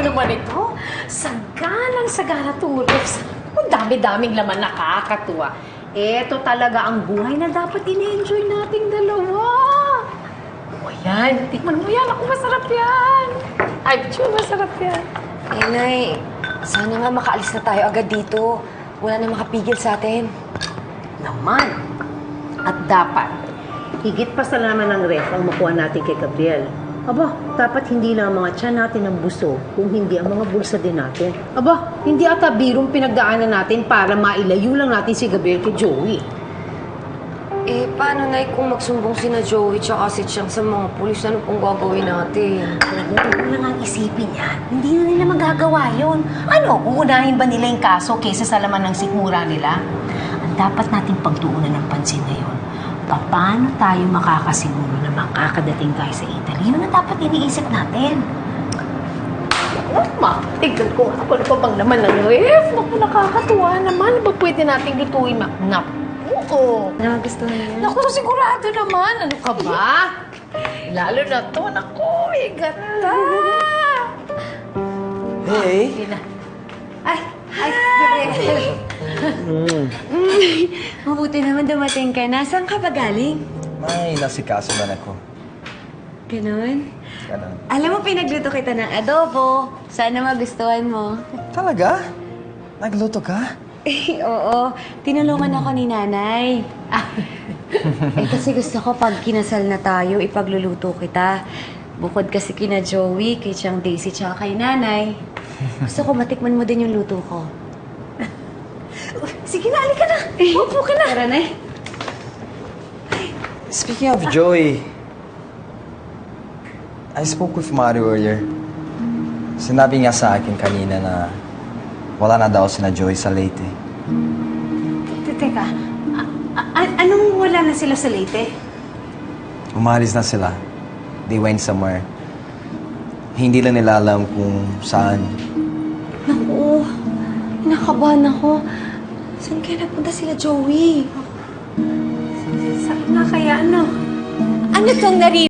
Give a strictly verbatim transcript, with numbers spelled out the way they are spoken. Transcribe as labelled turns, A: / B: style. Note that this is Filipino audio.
A: naman ito. Saganang sagana tulos. Ang dami-daming laman, nakakatuwa. Ito talaga ang buhay na dapat in-enjoy nating dalawa. O yan, tikman mo yan. Ako, masarap yan. Ay, Pichu, masarap yan.
B: Eh, Nay, sana nga makaalis na tayo agad dito. Wala na makapigil sa atin.
A: Naman. At dapat, higit pa sa laman ng ref ang makuha natin kay Gabriel. Aba, dapat hindi lang ang mga tiyan natin ang buso, kung hindi ang mga bulsa din natin. Aba, hindi ata birong pinagdaanan natin para mailayo lang natin si Gabriel kay Joey.
B: Eh, paano, Nay, kung magsumbong si na Joey tsaka si Chang sa mga pulis, ano pong gagawin natin?
A: Huwag mo lang ang isipin yan. Hindi na nila magagawa yun. Ano, uunahin ba nila yung kaso kaysa sa laman ng sikmura nila? Ang dapat nating pagtuunan ng pansin ngayon, paano tayo makakasiguro na makakadating tayo sa Italy? Yun ang dapat iniisip natin. Oh, ma, tignan ko nga. Ano pa bang naman ng ref? Naku, nakakatuwa naman. Ba pwede nating lutuin, ma? Naku, oo.
B: Nagustuhan niya?
A: Naku, sigurado naman. Ano ka ba? Lalo na to. Naku, eh, ganda.
C: Hey!
A: Sige na. Ay, ay, Gabriel.
C: Mm.
B: Mabuti naman dumating ka na. Saan ka ba galing?
C: May nasikaso man ako.
B: Ganon?
C: Ganun.
B: Alam mo, pinagluto kita ng adobo. Sana magustuhan mo.
C: Talaga? Nagluto ka?
B: Eh, oo. Tinulungan ako ni nanay. Ah, eh, kasi gusto ko pag kinasal na tayo, ipagluluto kita. Bukod kasi kina Joey, kay Chang Daisy, tsaka kay nanay. Gusto ko matikman mo din yung luto ko.
A: Sige na, alika na. Upo ka na.
B: Tara na eh.
C: Speaking of Joey, I spoke with Mario earlier. Sinabi niya sa akin kanina na wala na daw sina Joey sa Leyte.
A: Teka, a- a- anong wala na sila sa Leyte?
C: Umalis na sila. They went somewhere. Hindi lang nila alam kung saan.
B: Naku, inakabahan ako. Saan kaya napunta sila Joey?
A: Saan na kaya, ano?
B: Ano tong nari